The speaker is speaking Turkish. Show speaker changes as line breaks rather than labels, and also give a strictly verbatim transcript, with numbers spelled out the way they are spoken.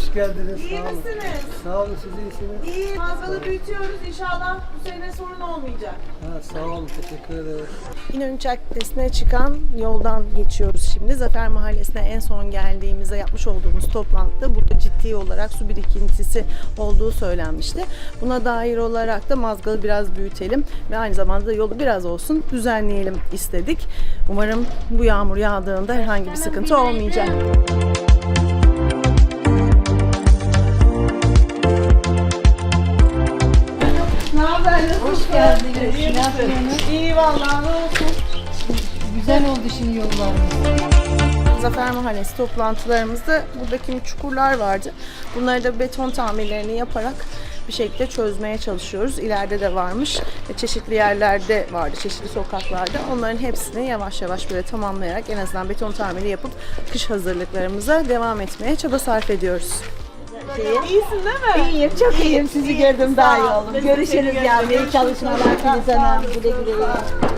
Hoş geldiniz.
İyi
sağ olun.
misiniz?
Sağ olun, siz iyisiniz.
İyi. Mazgalı büyütüyoruz. İnşallah bu sene sorun olmayacak.
Ha, sağ olun, teşekkür ederiz.
İnönü Caddesi'ne çıkan yoldan geçiyoruz şimdi. Zafer Mahallesi'ne en son geldiğimizde yapmış olduğumuz toplantıda burada ciddi olarak su birikintisi olduğu söylenmişti. Buna dair olarak da Mazgalı biraz büyütelim ve aynı zamanda da yolu biraz olsun düzenleyelim istedik. Umarım bu yağmur yağdığında herhangi bir sıkıntı olmayacak.
Ne haber?
Hoş geldiniz. Ne yapıyorsunuz?
İyi vallahi, ne olsun.
Güzel oldu şimdi yollarımız.
Zafer Mahallesi toplantılarımızda burada kimi çukurlar vardı. Bunları da beton tamirlerini yaparak bir şekilde çözmeye çalışıyoruz. İleride de varmış. Ve çeşitli yerlerde vardı, çeşitli sokaklarda. Onların hepsini yavaş yavaş böyle tamamlayarak en azından beton tamiri yapıp kış hazırlıklarımıza devam etmeye çaba sarf ediyoruz.
İyisin değil mi?
İyiyim, çok iyiyim. Sizi gördüm daha iyi oldum. Görüşürüz yavrum. İyi çalışmalar Filiz Hanım. Güle güle.